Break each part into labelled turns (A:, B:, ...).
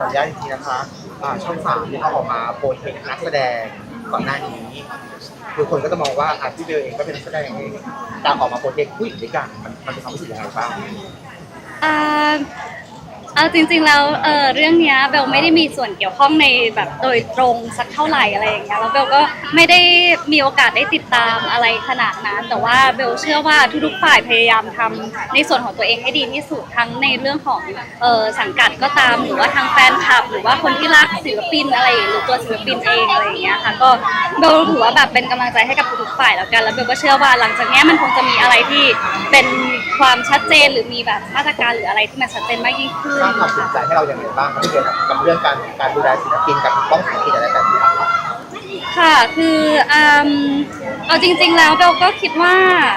A: อนุญาตอีกทีนะคะช่องสามที่เขาออกมาโปรเทคนักแสดงก่อนหน้านี้คือคนก็จะมองว่าพี่เบลเองก็เป็นนักแสดงเองการออกมาโปรเทคผู้หญิงด้วยกันมันเป็นความรู้สึกยังไงบ้าง
B: อ่าเอาจริงๆแล้วเรื่องเนี้ยเบลไม่ได้มีส่วนเกี่ยวข้องในแบบโดยตรงสักเท่าไหร่อะไรอย่างเงี้ยแล้วเบลก็ไม่ได้มีโอกาสได้ติดตามอะไรขนาดนั้นแต่ว่าเบลเชื่อว่าทุกๆฝ่ายพยายามทำในส่วนของตัวเองให้ดีที่สุดทั้งในเรื่องของสังกัดก็ตามหรือว่าทางแฟนคลับหรือว่าคนที่รักศิลปินอะไรหรือตัวศิลปินเองอะไรอย่างเงี้ยค่ะก็เบลถือว่าแบบเป็นกำลังใจให้กับทุกๆฝ่ายแล้วกันแล้วเบลก็เชื่อว่าหลังจากนี้มันคงจะมีอะไรที่เป็นความชัดเจนหรือมีแบบมาตรการหรืออะไรที่มันชัดเจนมากยิ่งขึ้น
A: สร้างความสนใจให้เราอย่างไรบ้างครับพี่เบลกับเรื่องการดูแลศิลปินกับต้องสังเกตอะไรแบบนี้
B: ค่ะคือเอาจริงๆแล้วเบลก็คิดว่า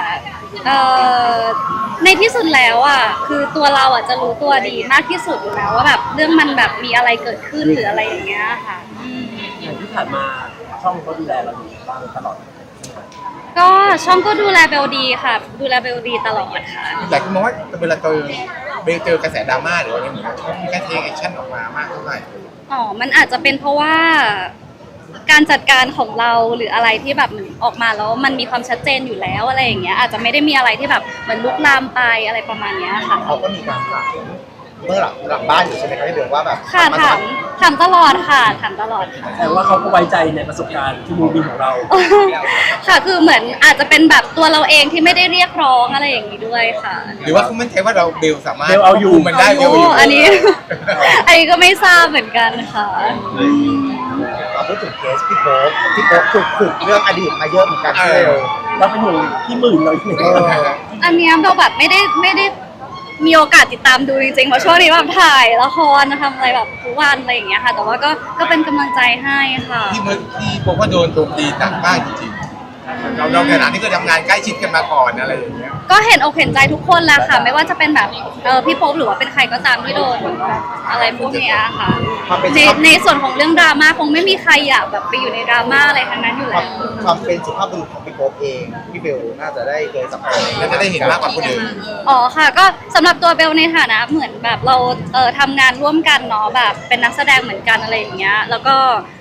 B: ในที่สุดแล้วอ่ะคือตัวเราอ่ะจะรู้ตัวดีมากที่สุดอยู่แล้วว่าแบบเรื่องมันแบบมีอะไรเกิดขึ้นหรืออะไรอย่างเงี้ยค่ะ
C: อย่างที่ผ่านมาช่องเขาดูแลเราดีบ้างตลอด
B: ก็ช่องก็ดูแลเบลดีค่ะดูแลเบลดีตลอดค่ะ
A: แต่คุณมองว่าเวลาเจอกระแสดราม่าหรืออะไรเหมือนกันมีการเทคแอคชั่นออกมามากเท่าไหร่
B: มันอาจจะเป็นเพราะว่าการจัดการของเราหรืออะไรที่แบบมันออกมาแล้วมันมีความชัดเจนอยู่แล้วอะไรอย่างเงี้ยอาจจะไม่ได้มีอะไรที่แบบเหมือนลุกลามไปอะไรประมาณนี้ค่ะ
A: เขาก็มีการถามเมื่อหลังบ้านอยู่ใช่ไหมครับพี่เบลว่าแบบ
B: ค่ะถามตลอดค่ะถามตลอดค่ะ
C: แต่ว่าเขาก็ไว้ใจในประสบการณ์ที่มูบินของเรา
B: ค่ะคือเหมือนอาจจะเป็นแบบตัวเราเองที่ไม่ได้เรียกร้องอะไรอย่างนี้ด้วยค่ะ
A: หรือว่าเขามั่นใจว่าเราเบลสามารถ
C: เอาอยู่
A: มันได้เบลอยู่
B: อันนี้ก็ไม่ทราบเหมือนกันค่ะ
A: พูดถึงเคสพี่โป๊ปถูกเรื่องอดีตมาเยอะเหมือนกันเลย
C: เราเป็นห่วงพี่หมื่นเราอยู่
B: อันนี้เราแบบไม่ได้มีโอกาสติดตามดูจริงๆเพราะช่วงนี้แบบถ่ายละครทำอะไรแบบทุกวันอะไรอย่างเงี้ยค่ะแต่ว่าก็เป็นกำลังใจให้ค่ะ
A: พี่โป๊ปก็โดนโจมตีหนักมากจริงๆเราในฐานะที่เคยทำงานใกล้ชิดกันมาก่อนอะไรอย่างเงี้ย
B: ก็เห็นอกเห็นใจทุกคนแหละค่ะไม่ว่าจะเป็นแบบพี่โป๊ปหรือว่าเป็นใครก็ตามที่โดนอะไรพวกนี้ค่ะในส่วนของเรื่องดราม่าคงไม่มีใครอยากแบบไปอยู่ในดราม่าอะไรทั้งนั้นอยู่แล้ว
A: ความเป็นสุภาพบุรุษของพี่โป๊ปเองพี่เบลน่าจะได้เคยสัมผัสน่าจะได้เห็นมากกว่าคนอื่น
B: ค่ะก็สำหรับตัวเบลในฐานะเหมือนแบบเราทำงานร่วมกันเนาะแบบเป็นนักแสดงเหมือนกันอะไรอย่างเงี้ยแล้วก็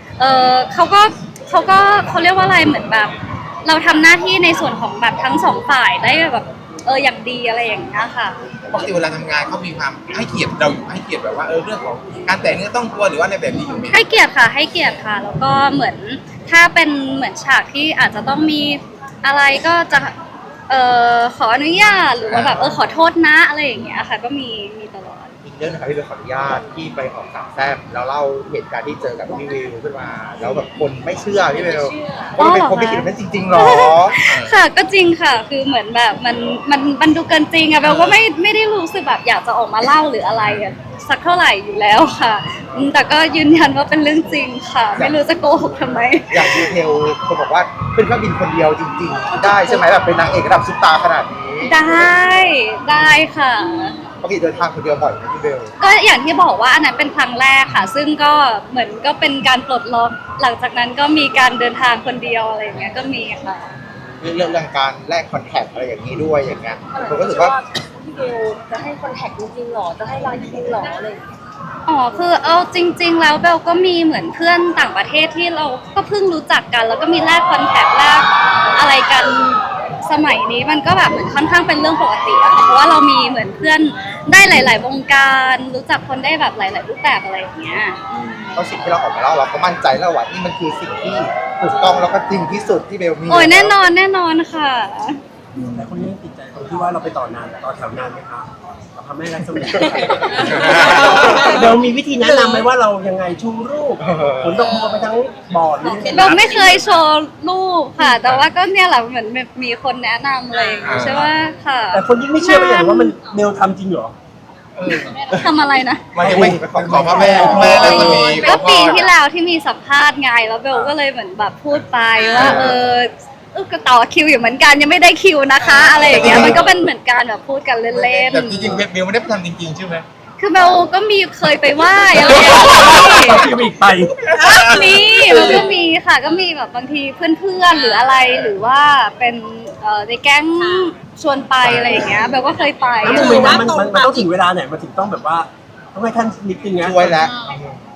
B: เขาเรียกว่าอะไรเหมือนแบบเราทำหน้าที่ในส่วนของแบบทั้งสองฝ่ายได้แบบอย่างดีอะไรอย่างเงี้ยค่ะ
A: ปกติเวลาทำงานเขามีความให้เกียรติเราอยู่ให้เกียรติแบบว่าเรื่องของการแต่งเนื้อต้องตัวหรือว่าในแบบนี้อยู่ไหม
B: ให้เกียรติค่ะแล้วก็เหมือนถ้าเป็นเหมือนฉากที่อาจจะต้องมีอะไรก็จะขออนุญาตหรือว่าแบบขอโทษนะอะไรอย่างเงี้ยค่ะก็มีตลอด
A: อีกเรื่องนะครับพี่เบลขออนุญาตที่ไปออกสามแซ่บแล้วเล่าเหตุการณ์ที่เจอกับพี่วิวขึ้นมาแล้วแบบคนไม่เชื่อพี่เบลว่าเป็นคนไม่คิดเป็นจริงๆหรอ
B: ค่ะก็จริงค่ะคือเหมือนแบบมันดูเกินจริงอะเบลก็ไม่ได้รู้สึกแบบอยากจะออกมาเล่าหรืออะไรสักเท่าไหร่อยู่แล้วค่ะแต่ก็ยืนยันว่าเป็นเรื่องจริงค่ะไม่รู้จะโกหกทำไม
A: อย่างดีเทลคนบอกว่าขึ้นเครื่องบินคนเดียวจริงๆได้ใช่ไหมแบบเป็นนางเอกระดับซุปตาร์ขนาดนี้
B: ได้ค่ะ
A: ปกติเดินทางคนเดียวบ่อยไหมพี่เบล
B: ก็อย่างที่บอกว่าอันนั้นเป็นครั้งแรกค่ะซึ่งก็เหมือนก็เป็นการปลดล็อกหลังจากนั้นก็มีการเดินทางคนเดียวอะไรอย่างเงี้ยก็มีค่ะ
A: เรื่องการแลกคอนแทคอะไรอย่างนี้ด้วยอย่างเงี้ยผมก็รู้สึกว่า
D: พี่เบลจะให้คอนแทคจริงๆหรอจะให้ไลน์จริงๆหรอเลย
B: คือเอาจริงๆแล้วเบลก็มีเหมือนเพื่อนต่างประเทศที่เราก็เพิ่งรู้จักกันแล้วก็มีแลกคอนแทคแลกอะไรกันสมัยนี้มันก็แบบเหมือนค่อนข้างเป็นเรื่องปกติเพราะว่าเรามีเหมือนเพื่อนได้หลายๆวงการรู้จักคนได้แบบหลายๆรูปแบบอะไรอย่างเงี้ย
A: เพราะสิ่งที่เราออกมาเล่าเราก็มั่นใจแล้วว่านี่มันคือสิ่งที่ถูกต้องแล้วก็จริงที่สุดที่เบลมี
B: โอ้ยแน่นอนค่ะ
C: แต่คนนี้ติดใจตรงที่ว่าเราไปต่อแถวนานไหมคะทำให้ไรสมิธเดี๋ยวมีวิธีแนะนำไหมว่าเรายังไงชูรูปผลตกมาไปทั้งบอร์ด
B: เราไม่เคยโชว์รูปค่ะแต่ว่าก็เนี่ยแหละเหมือนมีคนแนะนำเลยใช่ไหมค่ะ
C: แต่คนยิ่งไม่เชื่อไปอย่างว่ามันเบลทำจริงเหรอ
B: ทำอะไรนะ
A: ไม่ขอพ่อแม่แล้วก็มี
B: ก็ปีที่แล้วที่มีสัมภาษณ์ไงแล้วเบลก็เลยเหมือนแบบพูดไปว่าก็ต่อคิวอยู่เหมือนกันยังไม่ได้คิวนะคะอะไรอย่างเงี้ยมันก็เป็นเหมือนการแบบพูดกันเล่นๆ
A: แต่จริงๆเบลไม่ได้ทำจริงๆใช่ไหม
B: คือเบลก็มีเคยไปไหว้อะไรอย่างเงี้ย
C: คิวอีกไป
B: มันก็มีค่ะก็มีแบบบางทีเพื่อนๆหรืออะไรหรือว่าเป็นในแก๊งชวนไปอะไรอย่างเงี้ยเบลก็เคยไป
C: แล้วมันต้องถึงเวลาไหนมันถึงต้องแบบว่าต้องให้ท่านนิดนึงนะ
A: ช่วยแล้ว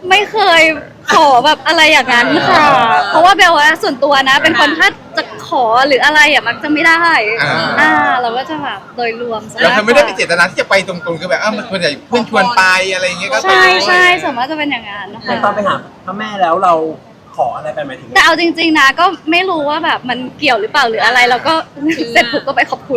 B: ไม่เคยขอแบบอะไรอย่างนั้นค่ะ เพราะว่าเบลว่าส่วนตัวนะ เป็นคนถ้าจะขอหรืออะไรอ่ะมันจะไม่ได้เราก็จะแบบโดยรวมซะ
E: เราเธอไม่ได้มีเจตนาที่จะไปตรงๆคือแบบมันควรจะเพื่อนชวนไปอะไรอย่างเงี้ยก็ไป
B: ใช่ส่วนมากจะเป็นอย่างนั้นนะ
C: แต่
B: คะ
C: ตอนไปหาพระแม่แล้วเราขออะไรไปหมายถึง
B: แต่เอาจริงๆนะก็ไม่รู้ว่าแบบมันเกี่ยวหรือเปล่าหรืออะไรแล้วก็เสร็จปุ๊บก็ไปขอบคุณ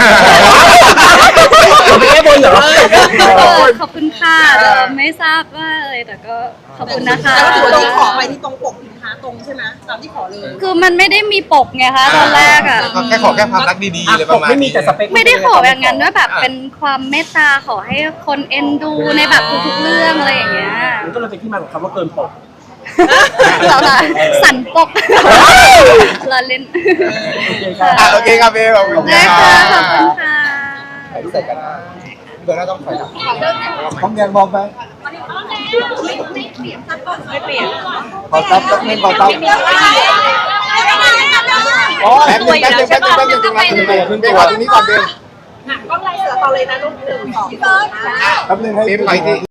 C: ไม่ได้บนเหรอ
B: ขอบคุณค่ะไม่ทราบว่าอะไรแต่ก็ขอบคุณนะคะ
F: แล้วถือว่าตรงขอไปที่ตรงปกสินค้าตรงใช่ไหมตามที่ขอเลย
B: คือมันไม่ได้มีปกไงคะตอนแรกอ่ะ
E: แค่ขอแค่ความรักดีๆอะไรประมาณ
C: ไม่มี
E: นี้
C: แต่สเปค
B: ไม่ได้ขออย่างนั้นด้วยแบบเป็นความเมตตาขอให้คนเอ็นดูในแบบทุกๆเรื่องอะไรอย่างเงี้ย
C: มันก็เลยเป็นที่มาของคำว่าเกินปก
B: เราละสั่นปกเราเล่น
C: โอเคครับ
E: โอเคครับเบลขอบคุณ
B: ได้
E: ค
B: ค่ะ
E: รับ
B: ขอบคุณค่ะ
A: ถ่ายรูปใส่กันนะเดี๋ยวเราต้องถอยหลังต้องเรียนมองไปขอซับสักนิดขอซับอ๋อแป๊บนึงตรงนั้นตรงนี้ก่อนเบล
F: ก็ไล่เสือต่อเลยนะลูก1 2 3
A: แป๊บนึงให้
E: เบลไปที่